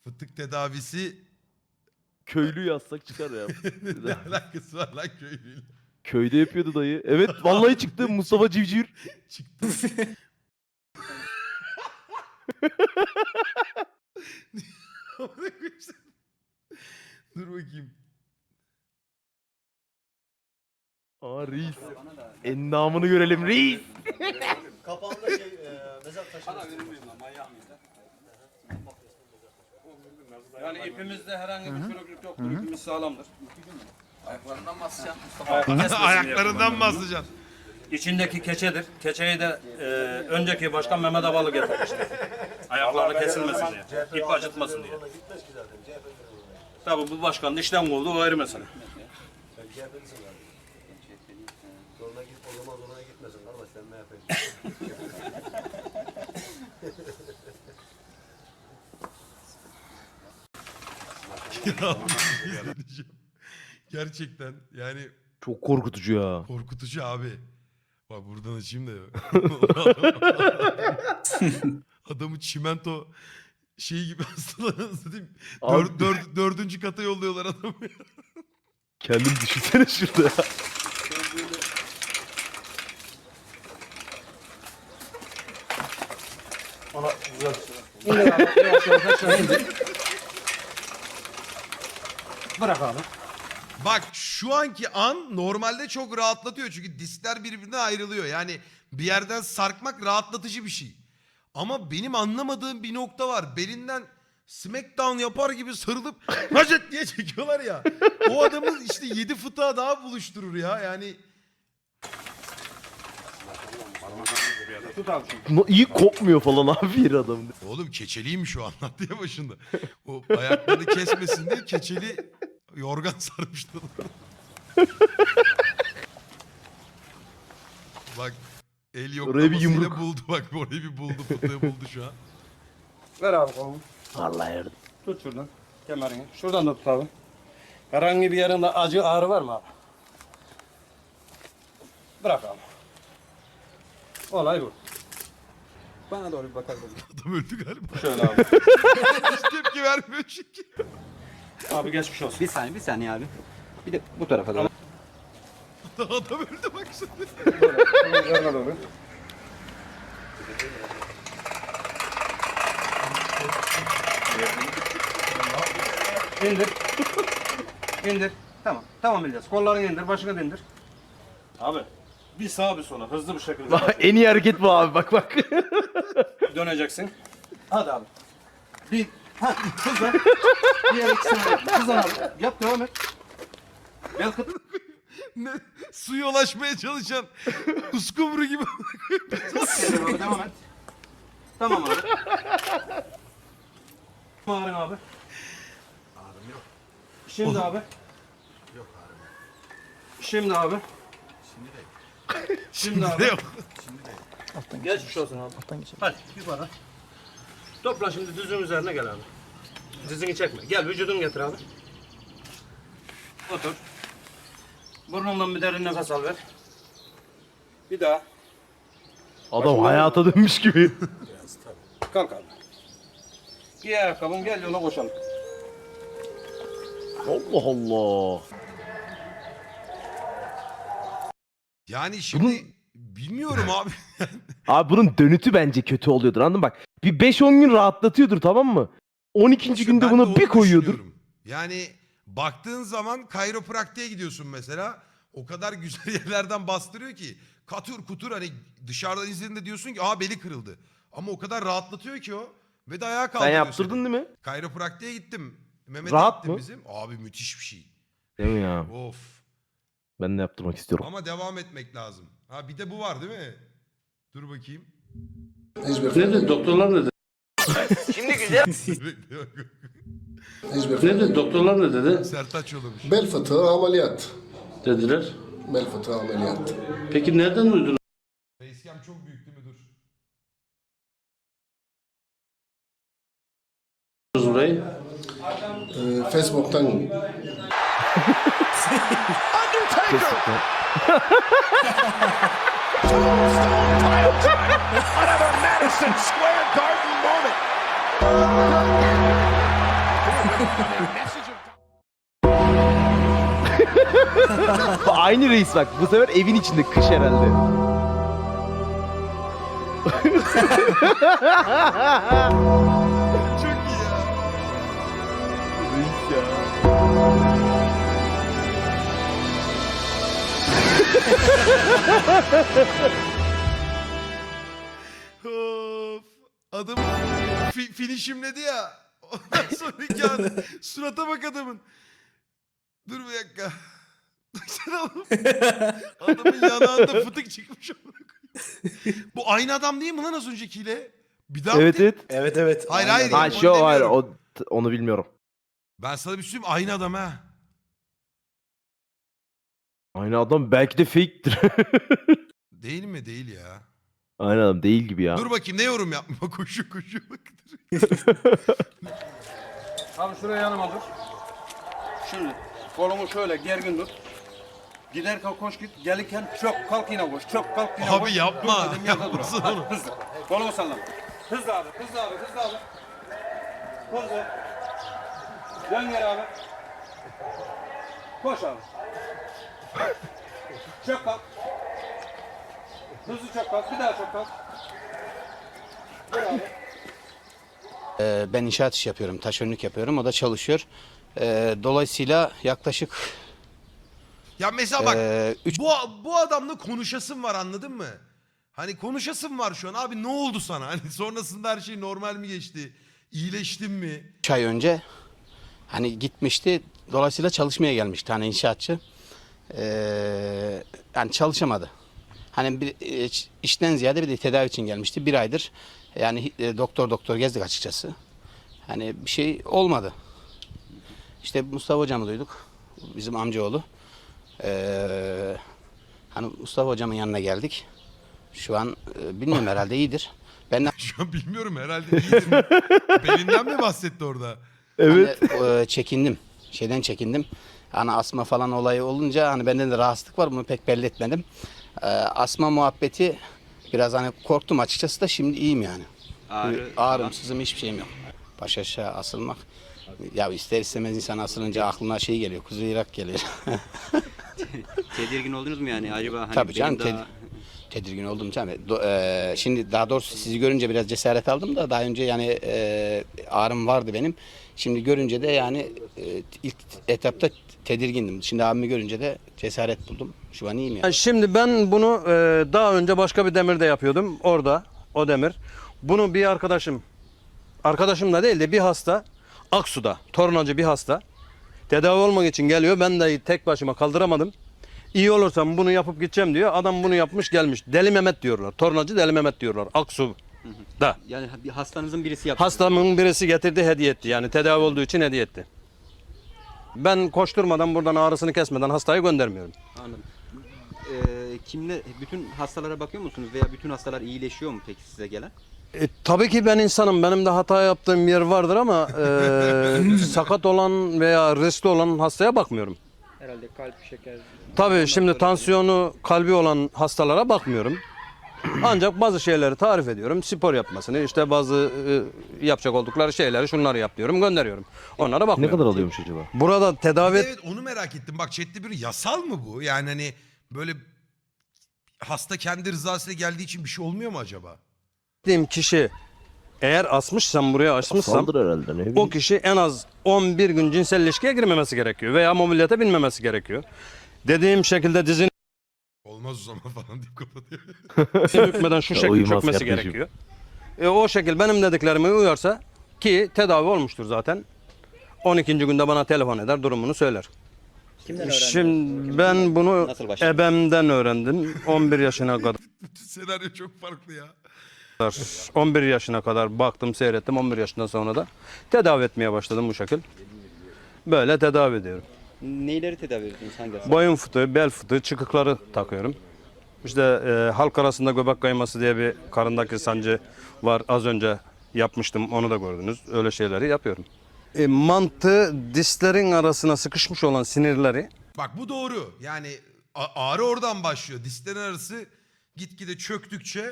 Fıtık tedavisi Köylü yazsak çıkar ya. ne alakası var lan köylüyle? Köyde yapıyordu dayı. Evet vallahi çıktı Mustafa Civcivir. Çıktı. Amına koyayım sen. Dur bakayım. Aa reis. Endamını görelim reis. Kapağında mezar taşı. Sana verir miyim lan manyak mıyız lan? Yani ipimizde herhangi bir çürüklük yoktur. İpimiz sağlamdır. Ayaklarından basacaksın Mustafa. Ayaklarından basacaksın. İçindeki keçedir. Keçeyi de önceki başkan Mehmet Avalı getirmişti. Ayaklarını kesilmesin diye. İp acıtmasın diye. Gitmez ki zaten. CHP'li. Tabii bu başkanın işlem oldu o ayrı mesele. Sen CHP'lisin zaten. Zoruna git, o zaman zoruna gitmesin kardeş, sen MHP'lisin. Gerçekten yani Çok korkutucu ya. korkutucu abi. Bak buradan açayım da. Adamı çimento şey gibi hastalanır. Abi. Dördüncü kata yolluyorlar adamı. Kendin düşünsene şurada ya. Ona güzel. İndir abi. Yavaş yavaş aşağı indir. Bırak abi. Bak şu anki an normalde çok rahatlatıyor. Çünkü diskler birbirinden ayrılıyor. Yani bir yerden sarkmak rahatlatıcı bir şey. Ama benim anlamadığım bir nokta var. Belinden smackdown yapar gibi sarılıp hacet diye çekiyorlar ya. O adamın işte 7 fıtığa daha buluşturur ya. Yani Tut abi şunu. İyi kopmuyor falan abi bir adamın. oğlum keçeliymiş o anlattı ya başında. O ayaklarını kesmesin diye keçeli yorgan sarmışlar. Bak el Oraya bir yoklamasıyla yumruk. buldu bak orayı bir buldu fıtığı buldu şu an. Ver abi kolunu. Vallahi yardım. Tut şuradan. Kemerini. Şuradan da tut abi. Herhangi bir yerinde acı ağrı var mı abi? Bırak abi. Olay bu. Bana doğru bir bakar mısın? Adam öldü galiba. Şöyle abi. Hiç tepki vermiyor çünkü. Abi geçmiş olsun. Bir saniye abi. Bir de bu tarafa doğru. Adam öldü bak şimdi. Yanına doğru. İndir. İndir. Tamam. Tamam İlyas. Kollarını indir. Başını da indir. Abi. Bir sağa bir sola. Hızlı bir şekilde. Bak, en iyi hareket bu abi bak bak. Döneceksin. Hadi abi. Bir. Ha. Hızlan. Diğer ikisini de. Hızlan abi. Yap devam et. Gel kıt. Ne? Suya ulaşmaya çalışan uskumru gibi. Abi, devam et. Tamam abi. Ağrın abi. Ağrım yok. Şimdi abi. Yok ağrım yok. Şimdi abi. Şimdi değil. Şimdi Ne abi. yok. Şimdi değil. Geçmiş olsun abi. Hadi yukarı. Topla şimdi dizin üzerine gel abi. Dizini çekme. Gel vücudunu getir abi. Otur. Burnundan bir derin nefes al ver. Bir daha. Adam hayata dönmüş gibi. Biraz tabii. Kalk abi. Giy ayakkabını gel yola koşalım. Allah Allah. Yani şimdi bilmiyorum abi. Abi bunun dönütü bence kötü oluyordur anladın mı? Bak bir 5-10 gün rahatlatıyordur tamam mı? 12. İşte günde ben de bunu onu bir koyuyordur. düşünüyorum. Yani baktığın zaman kayropraktiğe gidiyorsun mesela. O kadar güzel yerlerden bastırıyor ki. Katır kutur hani dışarıdan izlediğinde diyorsun ki aa beli kırıldı. Ama o kadar rahatlatıyor ki o. Ve de ayağa Sen kaldırıyor yaptırdın seni. değil mi? Kayropraktiğe gittim. Mehmet'e Rahat gittim mı? bizim. Abi müthiş bir şey. Değil mi ya? Of. Ben de yaptırmak istiyorum. Ama devam etmek lazım. Ha bir de bu var değil mi? Dur bakayım. Hiçbir, Ne dedi doktorlar ne dedi? hiçbir. Ne dedi doktorlar ne dedi? Sertaç yollamış. Bel fıtığı ameliyat. Dediler. Bel fıtığı ameliyat. Peki nereden uydunuz Facecam çok büyük değil mi? Dur. burayı? Facebook'tan Kesinlikle. Madison Square Garden moment. Aynı reis bak. Bu sefer evin içinde kış herhalde. Çok iyi ya. Reis ya. Of. Adam finishimledi ya. Ondan sonraki an surata bak adamın. Dur bir dakika. Baksana oğlum. Adamın yanağında fıtık çıkmış. Bu aynı adam değil mi lan az öncekiyle? Bir daha Evet evet. Evet evet. Hayır, Aynen. hayır. Ha onu şu hayır demiyorum. onu bilmiyorum. Ben sana bir şey söyleyeyim, aynı adam ha. Aynı adam belki de fake'tir. Değil mi? Değil ya. Aynı adam değil gibi ya. Dur bakayım, ne yorum yapma. Koşu koşu bak. Abi şuraya yanıma dur. Şimdi kolumu şöyle gergin tut. Giderken koş git, gelirken çok kalk yine koş, çok kalk yine koş. Abi yapma, Dur dedim, yerde dur. yapmasın Hadi, onu. Hızlı, kolumu sallama. Hızlı abi, hızlı abi, hızlı abi. Hızlı. Dön geri abi. Koş abi. Çok kalk. Hızlı çok kalk, bir daha çok kalk. Dur abi. Ben inşaat işi yapıyorum, taşeronluk yapıyorum. O da çalışıyor. Dolayısıyla yaklaşık Ya mesela bak, üç- bu adamla konuşasın var, anladın mı? Hani konuşasın var şu an. Abi ne oldu sana? Hani sonrasında her şey normal mi geçti? İyileştin mi? 3 ay önce hani gitmişti. Dolayısıyla çalışmaya gelmişti hani inşaatçı. Yani çalışamadı. Hani bir işten ziyade bir de tedavi için gelmişti. 1 aydır yani doktor gezdik açıkçası. Hani bir şey olmadı. İşte Mustafa hocamı duyduk. Bizim amcaoğlu. Hani Mustafa hocamın yanına geldik. Şu an bilmiyorum herhalde iyidir. Ben Şu an bilmiyorum, herhalde iyidir. Belinden mi bahsetti orada? Evet. hani, çekindim. Şeyden çekindim. Hani asma falan olayı olunca hani bende de rahatsızlık var. Bunu pek belli etmedim. Asma muhabbeti biraz hani korktum açıkçası da şimdi iyiyim yani. Ağrım, sızım hiçbir şeyim yok. Baş aşağı asılmak. Ya ister istemez insan asılınca aklına şey geliyor. Kuzey Irak geliyor. Tedirgin oldunuz mu yani acaba? Hani Tabii canım benim daha- tedirgin oldum tabii. Şimdi daha doğrusu sizi görünce biraz cesaret aldım da daha önce yani ağrım vardı benim. Şimdi görünce de yani ilk etapta tedirgindim. Şimdi abimi görünce de cesaret buldum. Şu an iyiyim yani. Şimdi ben bunu daha önce başka bir demirde yapıyordum. Orada o demir. Bunu bir arkadaşım da değil de bir hasta Aksu'da, tornacı bir hasta tedavi olmak için geliyor. Ben de tek başıma kaldıramadım. İyi olursam bunu yapıp gideceğim diyor. Adam bunu yapmış gelmiş. Deli Mehmet diyorlar. Tornacı Deli Mehmet diyorlar. Aksu'da. Yani bir hastanızın birisi yaptı. Hastamın birisi getirdi, hediye etti. Yani tedavi olduğu için hediye etti. Ben koşturmadan buradan ağrısını kesmeden hastayı göndermiyorum. Anladım. Kimle bütün hastalara bakıyor musunuz veya bütün hastalar iyileşiyor mu peki size gelen? Tabii ki ben insanım. Benim de hata yaptığım yer vardır ama sakat olan veya riskli olan hastaya bakmıyorum. Herhalde kalp, şeker. Tabii şimdi tansiyonu, kalbi olan hastalara bakmıyorum. Ancak bazı şeyleri tarif ediyorum. Spor yapmasını, işte bazı yapacak oldukları şeyleri şunları yap diyorum, gönderiyorum. Onlara Ne bakmıyorum. kadar alıyormuş acaba? Burada tedavi Evet, onu merak ettim. Bak chatte bir yasal mı bu? Yani hani böyle hasta kendi rızasıyla geldiği için bir şey olmuyor mu acaba? ettiğim kişi eğer asmışsam, buraya açmışsam Saldır herhalde ne o bileyim. kişi en az 11 gün cinsel ilişkiye girmemesi gerekiyor veya mobilyete binmemesi gerekiyor. Dediğim şekilde dizini Olmaz o zaman falan deyip kapatıyor. bükmeden şu Ya şekil uymaz çökmesi kardeşim. gerekiyor. O şekil benim dediklerime uyarsa ki tedavi olmuştur zaten. 12. günde bana telefon eder, durumunu söyler. Kimden öğrendiniz? Şimdi ben bunu Nasıl başladın? ebemden öğrendim. 11 yaşına kadar. Bütün senaryo çok farklı ya. 11 yaşına kadar baktım, seyrettim. 11 yaşından sonra da tedavi etmeye başladım bu şekil. Böyle tedavi ediyorum. Neyleri tedavi ediyorsunuz? Hangi hastalar? Boyun fıtığı, bel fıtığı, çıkıkları takıyorum. İşte halk arasında göbek kayması diye bir karındaki sancı var. Az önce yapmıştım, onu da gördünüz. Öyle şeyleri yapıyorum. Mantı dişlerin arasına sıkışmış olan sinirleri Bak bu doğru. Yani ağrı oradan başlıyor. Dizlerin arası gitgide çöktükçe